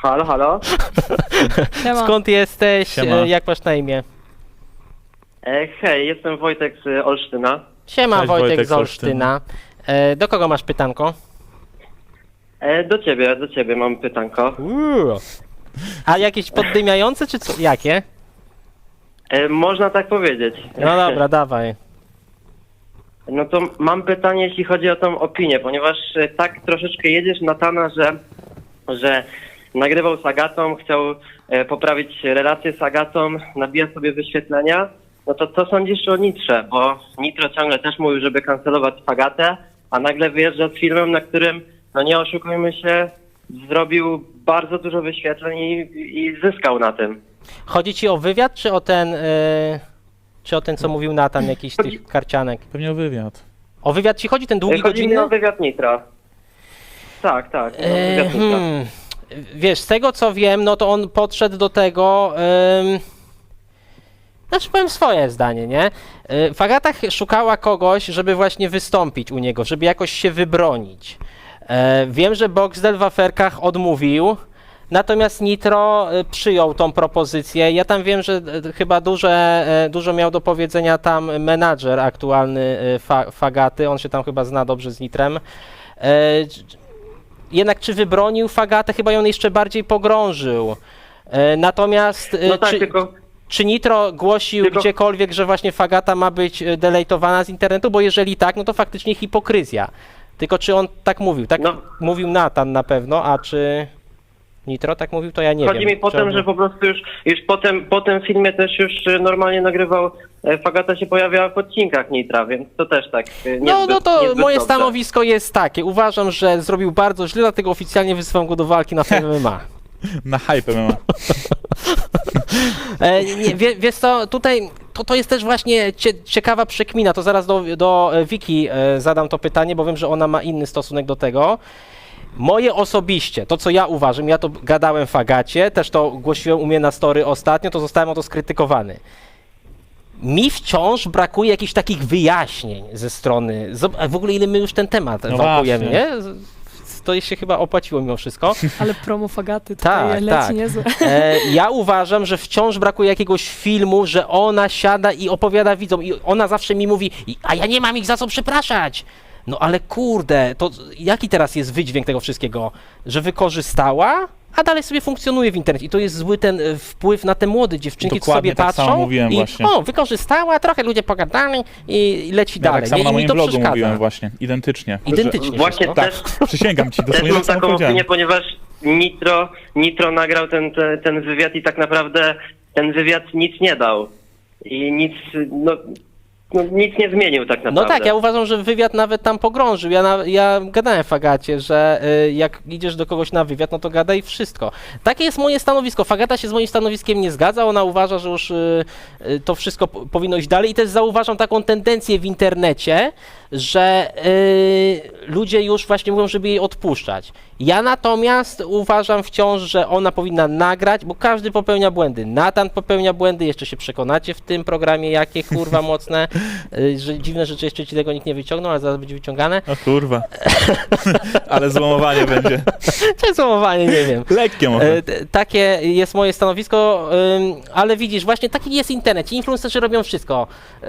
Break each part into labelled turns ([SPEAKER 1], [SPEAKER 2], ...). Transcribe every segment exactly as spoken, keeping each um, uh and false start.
[SPEAKER 1] Halo, halo.
[SPEAKER 2] Siema.
[SPEAKER 3] Skąd jesteś?
[SPEAKER 4] Siema.
[SPEAKER 3] E, Jak masz na imię?
[SPEAKER 1] E, hej, jestem Wojtek z Olsztyna.
[SPEAKER 3] Siema,
[SPEAKER 4] Cześć,
[SPEAKER 3] Wojtek,
[SPEAKER 4] Wojtek
[SPEAKER 3] z
[SPEAKER 4] z
[SPEAKER 3] Olsztyna. E, do kogo masz pytanko?
[SPEAKER 1] E, do ciebie, do ciebie mam pytanko.
[SPEAKER 3] Uuu. A jakieś poddymiające, czy co? Jakie?
[SPEAKER 1] E, można tak powiedzieć.
[SPEAKER 3] No dobra, dawaj.
[SPEAKER 1] No to mam pytanie, jeśli chodzi o tą opinię, ponieważ e, tak troszeczkę jedziesz na Natana, że, że nagrywał z Agatą, chciał e, poprawić relacje z Agatą, nabija sobie wyświetlenia. No to co sądzisz o Nitrze? Bo Nitro ciągle też mówił, żeby kancelować Agatę, a nagle wyjeżdża z filmem, na którym, no nie oszukujmy się, zrobił bardzo dużo wyświetleń i, i zyskał na tym.
[SPEAKER 3] Chodzi ci o wywiad, czy o ten, e, czy o ten, co mówił Natan, jakiś z tych karcianek?
[SPEAKER 4] Pewnie o wywiad.
[SPEAKER 3] O wywiad ci chodzi, ten
[SPEAKER 1] E,
[SPEAKER 3] długi,
[SPEAKER 1] Chodzi mi
[SPEAKER 3] godzinny?
[SPEAKER 1] o wywiad Nitra. Tak, tak. o
[SPEAKER 3] E,
[SPEAKER 1] wywiad Nitra.
[SPEAKER 3] hmm. Wiesz, z tego co wiem, no to on podszedł do tego... Ym... Znaczy powiem swoje zdanie, nie? Y, Fagata ch- szukała kogoś, żeby właśnie wystąpić u niego, żeby jakoś się wybronić. E, wiem, że Boxdel w aferkach odmówił, natomiast Nitro y, przyjął tą propozycję. Ja tam wiem, że y, chyba duże, y, dużo miał do powiedzenia tam menadżer aktualny y, fa- Fagaty, on się tam chyba zna dobrze z Nitrem. E, jednak czy wybronił Fagatę, chyba ją jeszcze bardziej pogrążył. E, natomiast e,
[SPEAKER 1] No tak,
[SPEAKER 3] czy,
[SPEAKER 1] tylko...
[SPEAKER 3] czy Nitro głosił
[SPEAKER 1] Tylko-
[SPEAKER 3] gdziekolwiek, że właśnie Fagata ma być e, deletowana z internetu? Bo jeżeli tak, no to faktycznie hipokryzja. Tylko czy on tak mówił? Tak
[SPEAKER 1] No.
[SPEAKER 3] mówił Natan na pewno, a czy Nitro tak mówił, to ja nie
[SPEAKER 1] Chodzi
[SPEAKER 3] wiem.
[SPEAKER 1] mi po
[SPEAKER 3] Czy
[SPEAKER 1] tym,
[SPEAKER 3] on-
[SPEAKER 1] że po prostu już, już potem, po tym filmie też już e, normalnie nagrywał, e, Fagata się pojawiała w odcinkach Nitra, więc to też tak e, niezbyt,
[SPEAKER 3] No, no to
[SPEAKER 1] niezbyt
[SPEAKER 3] moje
[SPEAKER 1] dobrze.
[SPEAKER 3] stanowisko jest takie. Uważam, że zrobił bardzo źle, dlatego oficjalnie wyzywam go do walki na F M M A.
[SPEAKER 4] Na hype M M A.
[SPEAKER 3] E, nie, wie, wiesz co, tutaj to, to jest też właśnie cie, ciekawa przekmina, to zaraz do, do e, Wiki e, zadam to pytanie, bo wiem, że ona ma inny stosunek do tego. Moje osobiście, to co ja uważam, ja to gadałem w Agacie, też to głosiłem u mnie na story ostatnio, to zostałem o to skrytykowany. Mi wciąż brakuje jakichś takich wyjaśnień ze strony, zob- a w ogóle ile my już ten temat
[SPEAKER 4] No
[SPEAKER 3] wałkujemy,
[SPEAKER 4] właśnie.
[SPEAKER 3] nie? Z- To się chyba opłaciło mimo wszystko.
[SPEAKER 2] Ale promo Fagaty tutaj
[SPEAKER 3] Tak,
[SPEAKER 2] leci
[SPEAKER 3] tak.
[SPEAKER 2] niezłe.
[SPEAKER 3] E, ja uważam, że wciąż brakuje jakiegoś filmu, że ona siada i opowiada widzom i ona zawsze mi mówi, "I- a ja nie mam ich za co przepraszać. No ale kurde, to jaki teraz jest wydźwięk tego wszystkiego? Że wykorzystała, a dalej sobie funkcjonuje w internecie. I to jest zły ten e, wpływ na te młode dziewczynki, co
[SPEAKER 4] Dokładnie
[SPEAKER 3] sobie
[SPEAKER 4] tak
[SPEAKER 3] patrzą
[SPEAKER 4] samo mówiłem
[SPEAKER 3] i
[SPEAKER 4] właśnie.
[SPEAKER 3] o, wykorzystała, trochę ludzie pogadali i, i leci
[SPEAKER 4] Ja
[SPEAKER 3] dalej.
[SPEAKER 4] tak samo
[SPEAKER 3] nie?
[SPEAKER 4] na
[SPEAKER 3] I mi
[SPEAKER 4] moim
[SPEAKER 3] to
[SPEAKER 4] blogu
[SPEAKER 3] przeszkadza.
[SPEAKER 4] mówiłem właśnie. Identycznie.
[SPEAKER 3] Identycznie
[SPEAKER 1] Właśnie
[SPEAKER 3] wszystko.
[SPEAKER 1] też,
[SPEAKER 4] Tak, przysięgam ci,
[SPEAKER 1] też
[SPEAKER 4] dosłownie
[SPEAKER 1] mam
[SPEAKER 4] tak samo
[SPEAKER 1] taką
[SPEAKER 4] powiedziałem.
[SPEAKER 1] opinię, ponieważ Nitro, Nitro nagrał ten, ten, ten wywiad i tak naprawdę ten wywiad nic nie dał. I nic, no, no nic nie zmienił tak naprawdę.
[SPEAKER 3] No tak, ja uważam, że wywiad nawet tam pogrążył. Ja, na, ja gadałem w Agacie, że y, jak idziesz do kogoś na wywiad, no to gadaj wszystko. Takie jest moje stanowisko. Fagata się z moim stanowiskiem nie zgadza, ona uważa, że już y, y, to wszystko p- powinno iść dalej i też zauważam taką tendencję w internecie, że y, ludzie już właśnie mówią, żeby jej odpuszczać. Ja natomiast uważam wciąż, że ona powinna nagrać, bo każdy popełnia błędy. Natan popełnia błędy, jeszcze się przekonacie w tym programie, jakie kurwa mocne, y, że dziwne rzeczy jeszcze ci tego nikt nie wyciągnął, ale zaraz będzie wyciągane.
[SPEAKER 4] O kurwa. Ale złomowanie będzie.
[SPEAKER 3] Czy złomowanie, nie wiem.
[SPEAKER 4] Lekkie może.
[SPEAKER 3] E, t- Takie jest moje stanowisko, ym, ale widzisz, właśnie taki jest internet. Ci influencerzy robią wszystko.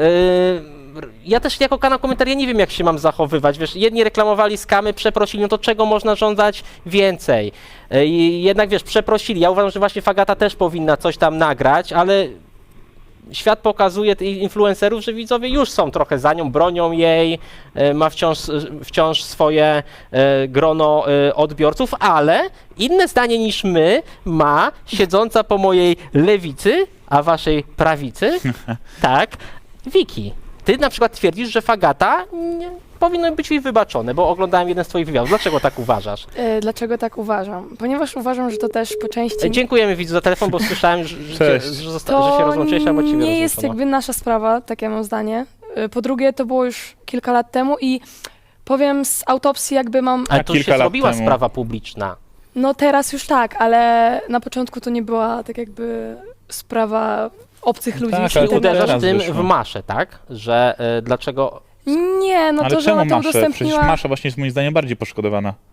[SPEAKER 3] Ym, Ja też jako kanał komentarzy ja nie wiem, jak się mam zachowywać. Wiesz, jedni reklamowali skamy, przeprosili, no to czego można żądać więcej? E, I jednak wiesz, przeprosili. Ja uważam, że właśnie Fagata też powinna coś tam nagrać, ale świat pokazuje tych influencerów, że widzowie już są trochę za nią, bronią jej, e, ma wciąż, wciąż swoje e, grono e, odbiorców, ale inne zdanie niż my ma siedząca po mojej lewicy, a waszej prawicy, tak, Wiki. Ty na przykład twierdzisz, że Fagata nie, powinno być jej wybaczone, bo oglądałem jeden z twoich wywiadów. Dlaczego tak uważasz?
[SPEAKER 2] E, Dlaczego tak uważam? Ponieważ uważam, że to też po części...
[SPEAKER 3] E, Dziękujemy widzu za telefon, bo słyszałem, że, że,
[SPEAKER 4] Cześć.
[SPEAKER 3] że, zosta- że się rozłączyłeś, albo ciebie
[SPEAKER 2] nie jest
[SPEAKER 3] rozłączono.
[SPEAKER 2] jakby nasza sprawa, takie mam zdanie. E, Po drugie, to było już kilka lat temu i powiem z autopsji jakby mam...
[SPEAKER 3] Ale
[SPEAKER 4] A
[SPEAKER 3] to już
[SPEAKER 4] kilka
[SPEAKER 3] się
[SPEAKER 4] lat
[SPEAKER 3] zrobiła
[SPEAKER 4] temu.
[SPEAKER 3] sprawa publiczna.
[SPEAKER 2] No teraz już tak, ale na początku to nie była tak jakby sprawa obcych ludzi.
[SPEAKER 4] Tak,
[SPEAKER 2] z
[SPEAKER 4] ale
[SPEAKER 3] Czyli
[SPEAKER 4] to
[SPEAKER 2] internetu.
[SPEAKER 3] uderzasz
[SPEAKER 4] teraz
[SPEAKER 3] tym
[SPEAKER 4] wyszło.
[SPEAKER 3] w maszę, tak? Że y, dlaczego...
[SPEAKER 2] Nie, no
[SPEAKER 4] Ale
[SPEAKER 2] to, że
[SPEAKER 4] czemu
[SPEAKER 2] ona to
[SPEAKER 4] Maszę? Przecież
[SPEAKER 2] udostępniła...
[SPEAKER 4] Masza właśnie jest moim zdaniem bardziej poszkodowana w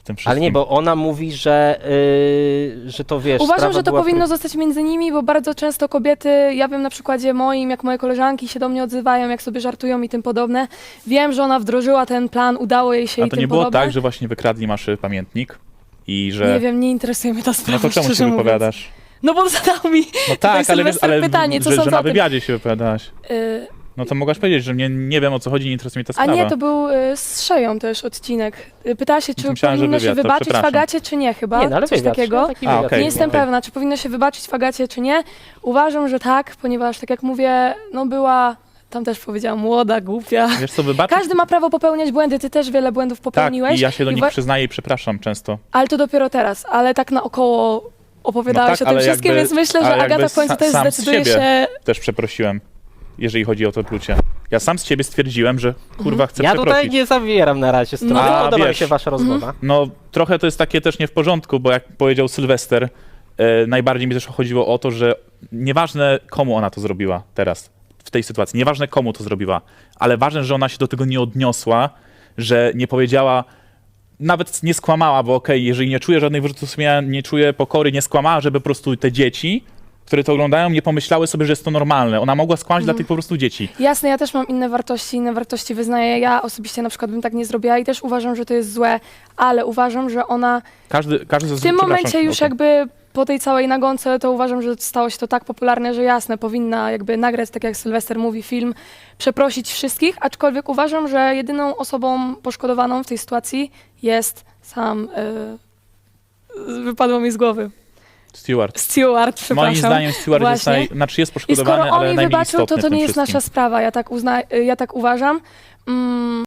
[SPEAKER 4] tym wszystkim.
[SPEAKER 3] Ale nie, bo ona mówi, że, yy, że to wiesz.
[SPEAKER 2] Uważam,
[SPEAKER 3] sprawa
[SPEAKER 2] że to
[SPEAKER 3] była w
[SPEAKER 2] powinno
[SPEAKER 3] tym-
[SPEAKER 2] zostać między nimi, bo bardzo często kobiety, ja wiem na przykładzie moim, jak moje koleżanki się do mnie odzywają, jak sobie żartują i tym podobne. Wiem, że ona wdrożyła ten plan, udało jej się
[SPEAKER 4] A
[SPEAKER 2] i
[SPEAKER 4] to
[SPEAKER 2] tym
[SPEAKER 4] nie było
[SPEAKER 2] podobne.
[SPEAKER 4] tak, że właśnie wykradli masz pamiętnik i że...
[SPEAKER 2] Nie wiem, nie interesuje mnie ta sprawa,
[SPEAKER 4] No to czemu
[SPEAKER 2] szczerze
[SPEAKER 4] się
[SPEAKER 2] mówiąc.
[SPEAKER 4] wypowiadasz?
[SPEAKER 2] No bo zadał mi
[SPEAKER 4] No
[SPEAKER 2] tutaj
[SPEAKER 4] tak, ale, wiesz,
[SPEAKER 2] Sylwester
[SPEAKER 4] ale
[SPEAKER 2] pytanie, co
[SPEAKER 4] że, że
[SPEAKER 2] sądzę
[SPEAKER 4] na
[SPEAKER 2] o tym?
[SPEAKER 4] wywiadzie się wypowiadałaś.
[SPEAKER 2] Y,
[SPEAKER 4] No to mogłaś powiedzieć, że mnie nie wiem o co chodzi, nie interesuje mnie ta
[SPEAKER 2] A
[SPEAKER 4] sprawa.
[SPEAKER 2] nie, to był y, z Szeją też odcinek. Y, Pytała się, czy
[SPEAKER 4] Myślałem, że
[SPEAKER 2] powinno się
[SPEAKER 4] wywiad, to
[SPEAKER 2] wybaczyć
[SPEAKER 4] przepraszam.
[SPEAKER 2] Fagacie, czy nie chyba.
[SPEAKER 3] Nie, no ale
[SPEAKER 2] Coś
[SPEAKER 3] wywiad,
[SPEAKER 2] takiego.
[SPEAKER 3] no, taki
[SPEAKER 4] A,
[SPEAKER 3] wywiad.
[SPEAKER 4] okej,
[SPEAKER 2] Nie jestem
[SPEAKER 4] okej.
[SPEAKER 2] pewna, czy powinno się wybaczyć Fagacie, czy nie. Uważam, że tak, ponieważ tak jak mówię, no była, tam też powiedziałam, młoda, głupia.
[SPEAKER 4] Wiesz co, wybaczyć?
[SPEAKER 2] Każdy ma prawo popełniać błędy, ty też wiele błędów
[SPEAKER 4] Tak,
[SPEAKER 2] popełniłeś.
[SPEAKER 4] i ja się do
[SPEAKER 2] i
[SPEAKER 4] nich
[SPEAKER 2] wa-
[SPEAKER 4] przyznaję i przepraszam często.
[SPEAKER 2] Ale to dopiero teraz, ale tak naokoło opowiadałeś
[SPEAKER 4] No tak,
[SPEAKER 2] o tym
[SPEAKER 4] ale
[SPEAKER 2] wszystkim,
[SPEAKER 4] jakby-
[SPEAKER 2] więc myślę, że
[SPEAKER 4] ale
[SPEAKER 2] Agata
[SPEAKER 4] jakby
[SPEAKER 2] w końcu
[SPEAKER 4] sa-
[SPEAKER 2] też
[SPEAKER 4] sam z
[SPEAKER 2] zdecyduje
[SPEAKER 4] siebie.
[SPEAKER 2] się...
[SPEAKER 4] Też przeprosiłem, jeżeli chodzi o to plucie. Ja sam z ciebie stwierdziłem, że kurwa chcę
[SPEAKER 3] Ja
[SPEAKER 4] przeprosić.
[SPEAKER 3] tutaj nie zawieram na razie strony.
[SPEAKER 2] No.
[SPEAKER 3] No,
[SPEAKER 4] A,
[SPEAKER 3] podoba mi
[SPEAKER 4] wiesz.
[SPEAKER 3] się wasza rozmowa.
[SPEAKER 4] No trochę to jest takie też nie w porządku, bo jak powiedział Sylwester, e, najbardziej mi też chodziło o to, że nieważne komu ona to zrobiła teraz, w tej sytuacji, nieważne komu to zrobiła, ale ważne, że ona się do tego nie odniosła, że nie powiedziała, nawet nie skłamała, bo okej, jeżeli nie czuje żadnych wyrzutów sumienia, nie czuje pokory, nie skłamała, żeby po prostu te dzieci, które to oglądają, nie pomyślały sobie, że jest to normalne. Ona mogła skłamać dla tych po prostu dzieci.
[SPEAKER 2] Jasne, ja też mam inne wartości, inne wartości wyznaję. Ja osobiście na przykład bym tak nie zrobiła i też uważam, że to jest złe, ale uważam, że ona
[SPEAKER 4] Każdy, każdy
[SPEAKER 2] w tym momencie już
[SPEAKER 4] okej.
[SPEAKER 2] jakby po tej całej nagonce to uważam, że stało się to tak popularne, że jasne, powinna jakby nagrać, tak jak Sylwester mówi, film, przeprosić wszystkich, aczkolwiek uważam, że jedyną osobą poszkodowaną w tej sytuacji jest sam, yy, wypadło mi z głowy,
[SPEAKER 4] Stewart.
[SPEAKER 2] Stewart, przepraszam.
[SPEAKER 4] Moim zdaniem Stewart jest,
[SPEAKER 2] Właśnie.
[SPEAKER 4] naj, znaczy jest
[SPEAKER 2] I
[SPEAKER 4] poszkodowany,
[SPEAKER 2] skoro on
[SPEAKER 4] ale
[SPEAKER 2] jej
[SPEAKER 4] najmniej
[SPEAKER 2] wybaczył,
[SPEAKER 4] istotny
[SPEAKER 2] to
[SPEAKER 4] w
[SPEAKER 2] to
[SPEAKER 4] tym
[SPEAKER 2] nie jest
[SPEAKER 4] wszystkim.
[SPEAKER 2] nasza sprawa, ja tak, uzna, ja tak uważam. Mm,